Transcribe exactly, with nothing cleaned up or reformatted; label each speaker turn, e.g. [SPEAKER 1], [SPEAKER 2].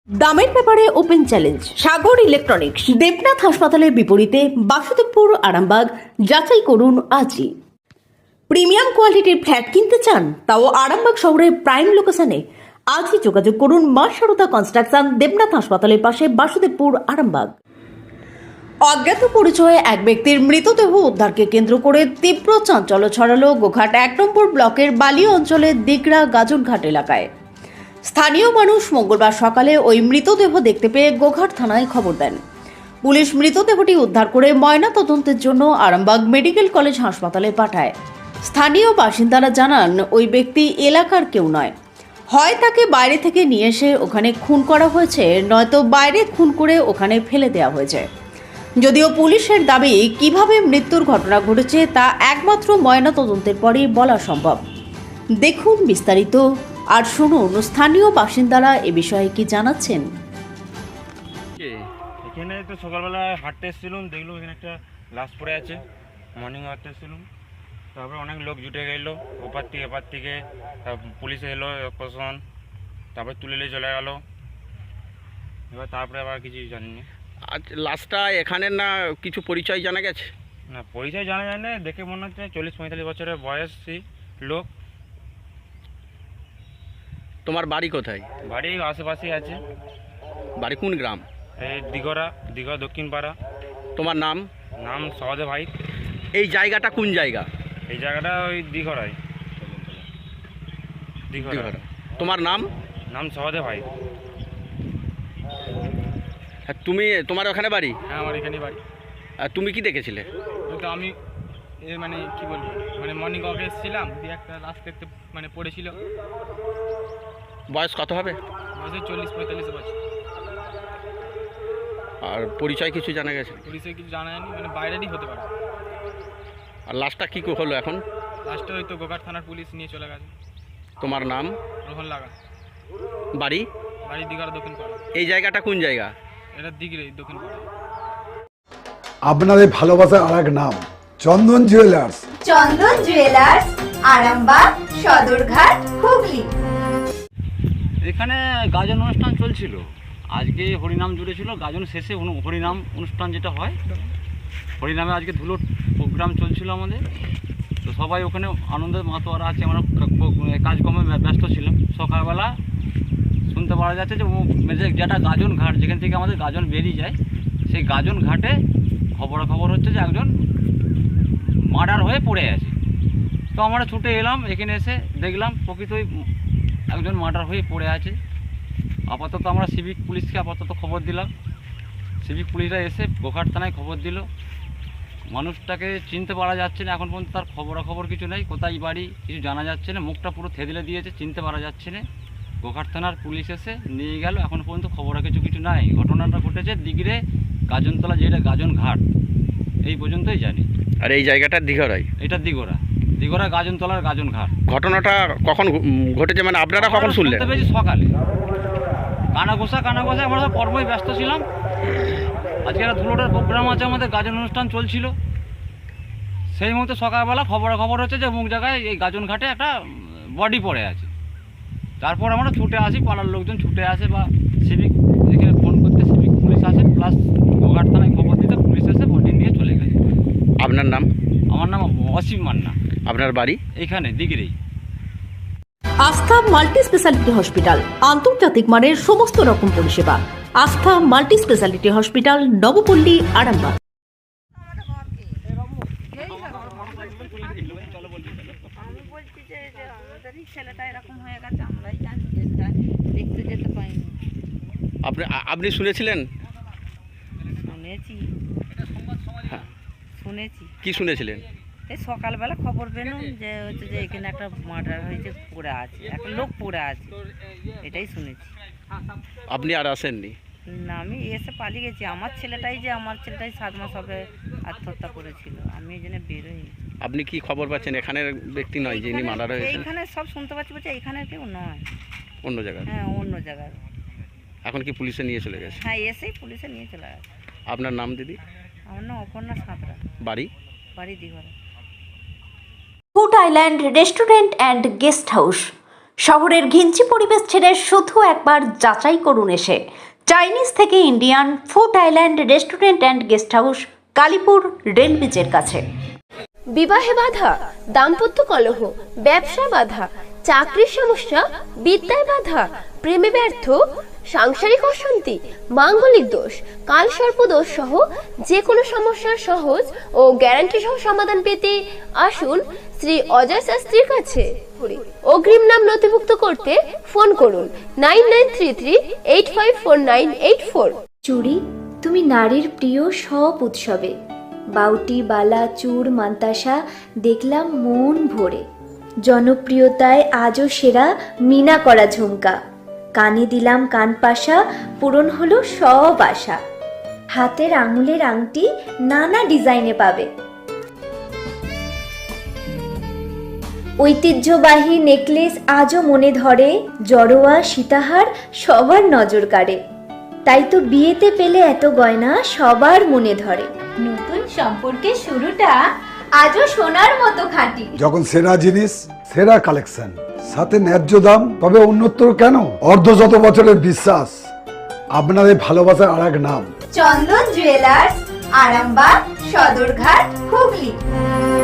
[SPEAKER 1] দামের ব্যাপারে open challenge Sagar electronics. Debnath হাসপাতালের বিপরীতে বাসুদেবপুর, আরামবাগ। যাচাই করুন আজই। প্রিমিয়াম কোয়ালিটির ফ্ল্যাট কিনতে চান, তাও আরামবাগ শহরের প্রাইম লোকেশনে? আজই যোগাযোগ করুন মা সারদা কনস্ট্রাকশন, দেবনাথ হাসপাতালের পাশে, বাসুদেবপুর, আরামবাগ। অজ্ঞাত পরিচয়ে এক ব্যক্তির মৃতদেহ উদ্ধারকে কেন্দ্র করে তীব্র চাঞ্চল্য ছড়ালো গোঘাট এক নম্বর ব্লকের বালি অঞ্চলের দিগড়া গাজনঘাট এলাকায়। স্থানীয় মানুষ মঙ্গলবার সকালে ওই মৃতদেহ দেখতে পেয়ে গোঘাট থানায় খবর দেন। পুলিশ মৃতদেহটি উদ্ধার করে ময়না তদন্তের জন্য আরামবাগ মেডিকেল কলেজ হাসপাতালে পাঠায়। স্থানীয় বাসিন্দারা জানান, ওই ব্যক্তি এলাকার কেউ নয়। হয় তাকে বাইরে থেকে নিয়ে এসে ওখানে খুন করা হয়েছে, নয়তো বাইরে খুন করে ওখানে ফেলে দেওয়া হয়েছে। যদিও পুলিশের দাবি, কিভাবে মৃত্যুর ঘটনা ঘটেছে তা একমাত্র ময়না তদন্তের পরেই বলা সম্ভব। দেখুন বিস্তারিত আর শুনুন স্থানীয় বাসিন্দারা এ বিষয়ে কি জানাচ্ছেন।
[SPEAKER 2] এখানে তো সকালবেলা হাঁটতে এসেছিলাম, দেখলাম এখানে একটা লাশ পড়ে আছে। মর্নিং হাঁটতে এসেছিলাম, তারপরে অনেক লোক জুটে গেলো, ওপার থেকে এপার থেকে। পুলিশ এলো, প্রশাসন, তারপরে তুলে নিয়ে চলে গেলো। এবার তারপরে আবার কিছু জানিনি।
[SPEAKER 3] আজ লাশটা এখানে না কিছু পরিচয় জানা গেছে?
[SPEAKER 2] না, পরিচয় জানা যায় না, দেখে মনে হচ্ছে চল্লিশ পঁয়তাল্লিশ বছরের বয়সী লোক।
[SPEAKER 3] তোমার বাড়ি কোথায়?
[SPEAKER 2] বাড়ি আশেপাশেই আছে।
[SPEAKER 3] বাড়ি কোন গ্রাম?
[SPEAKER 2] এই দিঘরা, দিঘা দক্ষিণ পাড়া।
[SPEAKER 3] তোমার নাম?
[SPEAKER 2] নাম সহদেব ভাই।
[SPEAKER 3] এই জায়গাটা কোন জায়গা?
[SPEAKER 2] এই জায়গাটা ওই দিঘরায়। দিঘরা।
[SPEAKER 3] দিঘরা। তোমার নাম?
[SPEAKER 2] নাম সহদেব ভাই।
[SPEAKER 3] হ্যাঁ, তুমি তোমার ওখানে বাড়ি?
[SPEAKER 2] হ্যাঁ, আমার এখানেই বাড়ি।
[SPEAKER 3] আর তুমি কি দেখেছিলে?
[SPEAKER 4] তো আমি এ মানে কি বলবো, মানে মর্নিং ওয়াকে এসেছিলাম, দিয়ে একটা লাশ দেখতে মানে পড়েছিল।
[SPEAKER 3] বয়স কত হবে?
[SPEAKER 4] বয়সে চল্লিশ পঁয়তাল্লিশ বছর।
[SPEAKER 3] আর পরিচয় কিছু জানা গেছে?
[SPEAKER 4] পুলিশে কিছু জানা যায়নি, মানে বাইরেরই হতে পারে।
[SPEAKER 3] আর লাশটা কী হলো এখন?
[SPEAKER 4] লাস্টে হয়তো গোঘাট থানার পুলিশ নিয়ে চলে গেছে।
[SPEAKER 3] তোমার নাম?
[SPEAKER 4] রোহন লাগা।
[SPEAKER 3] বাড়ি?
[SPEAKER 4] বাড়ি দিঘার দক্ষিণ পাড়া।
[SPEAKER 3] এই জায়গাটা কোন জায়গা?
[SPEAKER 4] এটা দিঘিরে দক্ষিণ পাড়া।
[SPEAKER 5] আপনাদের ভালোবাসার আর এক নাম চন্দন জুয়েলার্স।
[SPEAKER 6] চন্দন জুয়েলার্স, আরামবাগ, সদরঘাট, হুগলি।
[SPEAKER 7] এখানে গাজন অনুষ্ঠান চলছিল। আজকে হরিনাম জুড়েছিল, গাজন শেষে অনু- হরিনাম অনুষ্ঠান যেটা হয়, হরিনামে আজকে ধুলোর প্রোগ্রাম চলছিল আমাদের। তো সবাই ওখানে আনন্দের মাতোয়ারা আছে, আমরা ক- কাজকর্মে ব্য- ব্যস্ত ছিলাম। সকালবেলা শুনতে পাওয়া যাচ্ছে যে ও- যে- যেটা গাজন ঘাট, যেখান থেকে আমাদের গাজন বেরিয়ে যায়, সেই গাজন ঘাটে খবরাখবর হচ্ছে যে একজন মার্ডার হয়ে পড়ে আছে। তো আমরা ছুটে এলাম, এখানে এসে দেখলাম প্রকৃতই একজন মার্ডার হয়ে পড়ে আছে। আপাতত আমরা সিভিক পুলিশকে আপাতত খবর দিলাম। সিভিক পুলিশরা এসে গোঘাট থানায় খবর দিল। মানুষটাকে চিনতে পারা যাচ্ছে না এখন পর্যন্ত, তার খবরাখবর কিছু নেই, কোথায় বাড়ি কিছু জানা যাচ্ছে না, মুখটা পুরো থেদলে দিয়েছে, চিনতে পারা যাচ্ছে না। গোঘাট থানার পুলিশ এসে নিয়ে গেল, এখন পর্যন্ত খবরা কিছু কিছু নাই। ঘটনাটা ঘটেছে দিগড়ে গাজনতলা, যেটা গাজন ঘাট, এই পর্যন্তই জানি।
[SPEAKER 3] আর এই জায়গাটা দিঘরাই?
[SPEAKER 7] এটা দিগোরা, দিগোরা গাজনতলার গাজন ঘাট।
[SPEAKER 3] ঘটনাটা কখন ঘ- উম, ঘটেছে, মানে আপনারা কখন শুনলেন?
[SPEAKER 7] শুনতে পেয়েছি সকালে। কানা ঘোষা কানা ঘোষা আমরা সব কর্মই ব্যস্ত ছিলাম। আজকে একটা ধুলোটার প্রোগ্রাম আছে, আমাদের গাজন অনুষ্ঠান চলছিল। সেই মুহূর্তে সকালবেলা খবর খবর হচ্ছে যে মুখ জায়গায় এই গাজন ঘাটে একটা বডি পড়ে আছে। তারপর আমরা ছুটে আসি, পাড়ার লোকজন ছুটে আসে বা সিভিক এখানে ফোন করতে সিভিক পুলিশ আসে, প্লাস গোঘাট থানায় খবর দিতে পুলিশ এসে বডি নিয়ে চলে গেছে।
[SPEAKER 3] আপনার নাম?
[SPEAKER 7] আমার নাম অসীম মান্না।
[SPEAKER 3] আপনার বাড়ি?
[SPEAKER 7] এইখানে দিগিরেই।
[SPEAKER 1] আস্থা মাল্টি স্পেশালিটি হসপিটাল, আন্তর্জাতিক মানের সমস্ত রকম পরিষেবা। Astha multi speciality hospital, Nabapally, Arambagh.
[SPEAKER 8] আমি বলছি যে যে আমাদেরই ছেলেটা এরকম হয়ে গেছে, আমরাই জানি, যে দেখতে যেতে পাইনি।
[SPEAKER 3] আপনি আ- আপনি শুনেছিলেন?
[SPEAKER 8] শুনেছি
[SPEAKER 3] হ্যাঁ।
[SPEAKER 8] শুনেছি
[SPEAKER 3] কি শুনেছিলেন?
[SPEAKER 8] এই সকালবেলা খবর পেলাম যে হচ্ছে যে এখানে একটা মার্ডার হয়েছে, পড়ে আছে, একটা লোক পড়ে আছে, এটাই শুনেছি।
[SPEAKER 3] আপনি আর আসেননি?
[SPEAKER 8] না, আমি এসে পালিয়ে গেছি। আমার ছেলেটাই যে আমার ছেলেটাই সাত মাস হবে আত্মহত্যা করেছিল, আমি এই জন্য বেরোইনি।
[SPEAKER 3] আপনি কি খবর পাচ্ছেন এখানের ব্যক্তি নয় যিনি
[SPEAKER 8] এইখানে-
[SPEAKER 3] মার্ডার হয়েছেন?
[SPEAKER 8] এইখানে সব শুনতে পাচ্ছি, বলছে এইখানে কেউ নয়,
[SPEAKER 3] অন্য জায়গায়?
[SPEAKER 8] হ্যাঁ অন্য জায়গায়।
[SPEAKER 3] এখন কি পুলিশে নিয়ে চলে গেছে?
[SPEAKER 8] হ্যাঁ, এসেই পুলিশে নিয়ে চলে গেছে।
[SPEAKER 3] আপনার নাম দিদি?
[SPEAKER 8] আমার নাম অপর্ণা সাঁতরা,
[SPEAKER 3] বাড়ি?
[SPEAKER 8] বাড়ি Dighra.
[SPEAKER 1] Food island restaurant and guest house, শহরের ঘিঞ্চি পরিবেশ ছেড়ে শুধু একবার যাচাই করুন এসে চাইনিজ থেকে Indian food island restaurant and guest house, Kalipur rail ব্রিজের কাছে।
[SPEAKER 9] বিবাহে বাধা, দাম্পত্য কলহ, ব্যবসা বাধা, চাকরির সমস্যা, বিদ্যায় বাধা, প্রেমে ব্যর্থ, সাংসারিক অশান্তি, মাঙ্গলিক দোষ, কালসর্প দোষ সহ যে কোনো সমস্যার সহজ ও গ্যারান্টি সহ সমাধান পেতে আসুন শ্রী অজয় শাস্ত্রীর কাছে। অগ্রিম নাম নথিভুক্ত করতে ফোন করুন nine nine three three eight five four nine eight four.
[SPEAKER 10] চুড়ি, তুমি নারীর প্রিয় সব উৎসবে। বাউটি, বালা, চূড়, মান্তাসা দেখলাম মন ভরে। জনপ্রিয়তায় আজও সেরা মিনা করা ঝুমকা। কানে দিলাম কানপাশা, পূরণ হলো সব আশা। হাতের আঙুলের আংটি নানা ডিজাইনে পাবে। ঐতিহ্যবাহী নেকলেস আজও মনে ধরে। জড়োয়া, সীতাহার সবার নজর কাড়ে। তাই তো বিয়েতে পেলে এত গয়না সবার মনে ধরে। নতুন সম্পর্কের শুরুটা আজও সোনার মতো খাঁটি।
[SPEAKER 5] যখন সেরা জিনিস, সেরা কালেকশন, সাথে ন্যায্য দাম, তবে অন্যত্র কেন? অর্ধ শত বছরের বিশ্বাস, আপনাদের ভালোবাসার আর এক নাম
[SPEAKER 6] চন্দন জুয়েলার্স, আরামবাগ, সদরঘাট, হুগলি।